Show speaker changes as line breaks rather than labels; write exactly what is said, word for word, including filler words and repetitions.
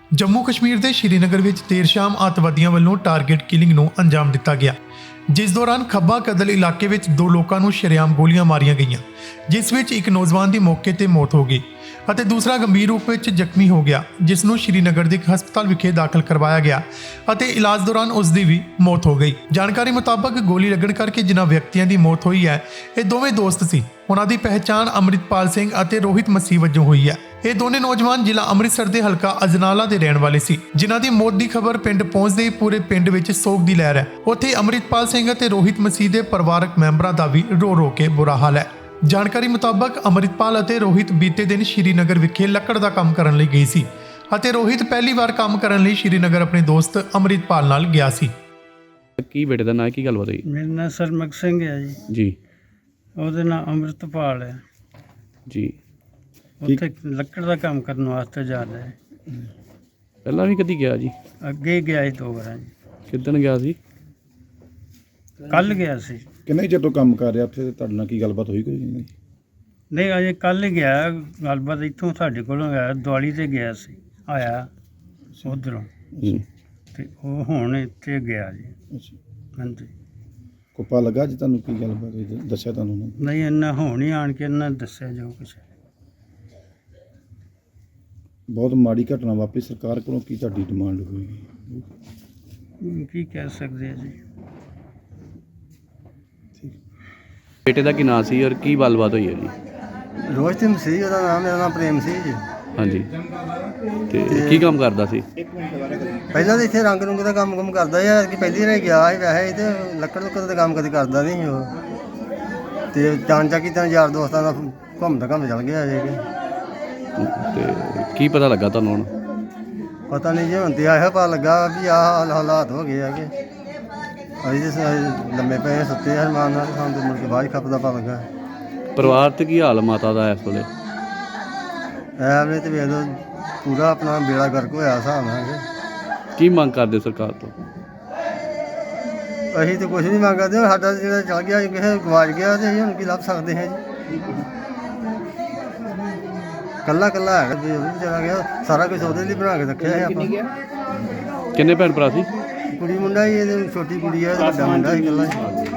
ਜੰਮੂ ਕਸ਼ਮੀਰ ਦੇ ਸ਼੍ਰੀਨਗਰ ਵਿੱਚ ਦੇਰ ਸ਼ਾਮ ਅੱਤਵਾਦੀਆਂ ਵੱਲੋਂ ਟਾਰਗੇਟ ਕਿਲਿੰਗ ਨੂੰ ਅੰਜਾਮ ਦਿੱਤਾ ਗਿਆ, ਜਿਸ ਦੌਰਾਨ ਖੱਬਾ ਕਦਲ ਇਲਾਕੇ ਵਿੱਚ ਦੋ ਲੋਕਾਂ ਨੂੰ ਸ਼ਰੇਆਮ ਗੋਲੀਆਂ ਮਾਰੀਆਂ ਗਈਆਂ, ਜਿਸ ਵਿੱਚ ਇੱਕ ਨੌਜਵਾਨ ਦੀ ਮੌਕੇ ਤੇ ਮੌਤ ਹੋ ਗਈ ਅਤੇ ਦੂਸਰਾ ਗੰਭੀਰ ਰੂਪ ਵਿੱਚ ਜ਼ਖਮੀ ਹੋ ਗਿਆ, ਜਿਸ ਨੂੰ ਸ਼੍ਰੀਨਗਰ ਦੇ ਇੱਕ ਹਸਪਤਾਲ ਵਿਖੇ ਦਾਖਲ ਕਰਵਾਇਆ ਗਿਆ ਅਤੇ ਇਲਾਜ ਦੌਰਾਨ ਉਸ ਦੀ ਵੀ ਮੌਤ ਹੋ ਗਈ। ਜਾਣਕਾਰੀ ਮੁਤਾਬਕ ਗੋਲੀ ਲੱਗਣ ਕਰਕੇ ਜਿਨ੍ਹਾਂ ਵਿਅਕਤੀਆਂ ਦੀ ਮੌਤ ਹੋਈ ਹੈ, ਇਹ ਦੋਵੇਂ ਦੋਸਤ ਸੀ। ਉਹਨਾਂ ਦੀ ਪਹਿਚਾਣ ਅੰਮ੍ਰਿਤਪਾਲ ਸਿੰਘ ਅਤੇ ਰੋਹਿਤ ਮਸੀਹ ਵਜੋਂ ਹੋਈ ਹੈ। ਇਹ ਦੋਨੇ ਨੌਜਵਾਨ ਜ਼ਿਲ੍ਹਾ ਅੰਮ੍ਰਿਤਸਰ ਦੇ ਹਲਕਾ ਅਜਨਾਲਾ ਦੇ ਰਹਿਣ ਵਾਲੇ ਸੀ, ਜਿਨ੍ਹਾਂ ਦੀ ਮੌਤ ਦੀ ਖਬਰ ਪਿੰਡ ਪਹੁੰਚਦੇ ਹੀ ਪੂਰੇ ਪਿੰਡ ਵਿੱਚ ਸੋਗ ਦੀ ਲਹਿਰ ਹੈ। ਉੱਥੇ ਅੰਮ੍ਰਿਤਪਾਲ ਸਿੰਘ ਅਤੇ ਰੋਹਿਤ ਮਸੀਹ ਦੇ ਪਰਿਵਾਰਕ ਮੈਂਬਰਾਂ ਦਾ ਵੀ ਰੋ ਰੋ ਕੇ ਬੁਰਾ ਹਾਲ ਹੈ। ਜਾਣਕਾਰੀ ਮੁਤਾਬਕ ਅੰਮ੍ਰਿਤਪਾਲ ਅਤੇ ਰੋਹਿਤ ਬੀਤੇ ਦਿਨ ਸ਼੍ਰੀਨਗਰ ਵਿਖੇ ਲੱਕੜ ਦਾ ਕੰਮ ਕਰਨ ਲਈ ਗਏ ਸੀ ਅਤੇ ਰੋਹਿਤ ਪਹਿਲੀ ਵਾਰ ਕੰਮ ਕਰਨ ਲਈ ਸ਼੍ਰੀਨਗਰ ਆਪਣੇ ਦੋਸਤ ਅੰਮ੍ਰਿਤਪਾਲ ਨਾਲ ਗਿਆ ਸੀ।
ਕੀ ਬੇਟੇ ਦਾ ਨਾਂ, ਕੀ ਗੱਲਬਾਤ ਹੋਈ?
ਮੇਰਾ ਨਾਂ ਸਰਮਕ ਸਿੰਘ ਹੈ ਜੀ।
ਜੀ
ਉਹਦੇ ਨਾਂ ਅੰਮ੍ਰਿਤਪਾਲ ਹੈ
ਜੀ।
ਉੱਥੇ ਲੱਕੜ ਦਾ ਕੰਮ ਕਰਨ ਵਾਸਤੇ ਜਾਂਦਾ ਹੈ।
ਪਹਿਲਾਂ ਵੀ ਕਦੀ ਗਿਆ ਜੀ?
ਅੱਗੇ ਗਿਆ ਸੀ ਦੋ ਵਾਰਾਂ ਜੀ।
ਕਿੱਦਣ ਗਿਆ ਸੀ?
ਕੱਲ ਗਿਆ ਸੀ।
ਕਿੰਨੇ ਚਿਰ ਤੋਂ ਕੰਮ ਕਰ ਰਿਹਾ ਉੱਥੇ? ਤੁਹਾਡੇ ਨਾਲ ਕੀ ਗੱਲਬਾਤ ਹੋਈ ਕੋਈ ਨਹੀਂ?
ਨਹੀਂ ਅਜੇ ਕੱਲ ਹੀ ਗਿਆ। ਗੱਲਬਾਤ ਇੱਥੋਂ ਸਾਡੇ ਕੋਲੋਂ ਗਿਆ, ਦਿਵਾਲੀ ਤੇ ਗਿਆ ਸੀ, ਆਇਆ ਉੱਧਰੋਂ
ਜੀ।
ਤੇ ਉਹ ਹੁਣ ਇੱਥੇ ਗਿਆ ਜੀ।
ਅੱਛਾ,
ਹਾਂਜੀ।
ਕੋਪਾ ਲੱਗਾ ਜੀ ਤੁਹਾਨੂੰ? ਕੀ ਗੱਲਬਾਤ ਹੋਈ ਦੱਸਿਆ ਤੁਹਾਨੂੰ ਉਹਨਾਂ ਨੇ?
ਨਹੀਂ ਇੰਨਾ ਹੁਣ ਹੀ ਆਣ ਕੇ ਇਹਨਾਂ ਨੇ ਦੱਸਿਆ ਜੋ ਕੁਛ।
ਬਹੁਤ ਮਾੜੀ ਘਟਨਾ ਵਾਪਰੀ, ਸਰਕਾਰ ਕੋਲੋਂ ਕੀ ਤੁਹਾਡੀ ਡਿਮਾਂਡ ਹੋਈ?
ਕੀ ਕਹਿ ਸਕਦੇ ਆ ਜੀ।
ਬੇਟੇ ਦਾ ਕੀ ਨਾਂ ਸੀ ਔਰ ਕੀ ਗੱਲਬਾਤ ਹੋਈ ਹੈ ਜੀ?
ਰੋਹਿਤ ਮਸੀਹ ਉਹਦਾ ਨਾਮ, ਮੇਰਾ ਨਾਮ ਪ੍ਰੇਮ ਸਿੰਘ ਜੀ।
ਹਾਂਜੀ, ਤੇ ਕੀ ਕੰਮ ਕਰਦਾ ਸੀ?
ਪਹਿਲਾਂ ਤਾਂ ਇੱਥੇ ਰੰਗ ਰੁੰਗ ਦਾ ਕੰਮ ਕੰਮ ਕਰਦਾ ਸੀ ਕਿ ਪਹਿਲੀ ਵਾਰ ਗਿਆ ਸੀ ਵੈਸੇ, ਤੇ ਲੱਕੜ ਲੁੱਕੜ ਦਾ ਕੰਮ ਕਦੇ ਕਰਦਾ ਨਹੀਂ ਸੀ ਉਹ। ਤੇ ਚਾਂਚਾ ਕੀ ਤਾਂ ਯਾਰ ਦੋਸਤਾਂ ਦਾ ਘੁੰਮਦਾ ਘੁੰਮ ਚੱਲ ਗਿਆ ਜੇ ਕਿ
ਤੇ ਕੀ ਪਤਾ ਲੱਗਾ ਤੁਹਾਨੂੰ ਹੁਣ?
ਪਤਾ ਨਹੀਂ ਜੀ, ਹੁਣ ਤੇ ਆਇਆ ਪਤਾ ਲੱਗਾ ਵੀ ਆਹ ਹਾਲਾਤ ਹੋ ਗਏ ਆ ਕਿ ਅਸੀਂ ਤੇ ਲੰਮੇ ਪਏ ਸੁੱਤੇ ਹਰਮਾਨ ਨਾਲ, ਸਾਨੂੰ ਤੇ ਮੁੜ ਕੇ ਬਾਅਦ ਖੱਪ ਦਾ ਪਤਾ ਲੱਗਾ।
ਪਰਿਵਾਰ ਤੇ ਕੀ ਹਾਲ ਮਾਤਾ ਦਾ ਇਸ ਵੇਲੇ?
ਐਵੇਂ ਤੇ ਵੇਖ ਲਓ ਪੂਰਾ ਆਪਣਾ ਬੇੜਾ ਗਰਕ ਹੋਇਆ ਹਿਸਾਬ ਨਾਲ ਕਿ
ਕੀ ਮੰਗ ਕਰਦੇ ਸਰਕਾਰ ਤੋਂ?
ਅਸੀਂ ਤਾਂ ਕੁਛ ਨਹੀਂ ਮੰਗਦੇ, ਸਾਡਾ ਜਿਹੜਾ ਚਲ ਗਿਆ ਕਿਸੇ ਗਵਾਚ ਗਿਆ ਤੇ ਅਸੀਂ ਹੁਣ ਕੀ ਲੱਭ ਸਕਦੇ ਹਾਂ ਜੀ। ਕੱਲਾ ਕੱਲਾ ਹੈਗਾ ਜੀ, ਉਹ ਵੀ ਚਲਾ ਗਿਆ। ਸਾਰਾ ਕੁਝ ਉਹਦੇ ਲਈ ਬਣਾ ਕੇ ਰੱਖਿਆ ਹੈ ਆਪਾਂ।
ਕਿੰਨੇ ਭੈਣ ਭਰਾ ਸੀ?
ਕੁੜੀ ਮੁੰਡਾ ਹੀ, ਇਹਦੀ ਛੋਟੀ ਕੁੜੀ ਹੈ, ਵੱਡਾ ਮੁੰਡਾ ਸੀ ਇਕੱਲਾ ਹੀ।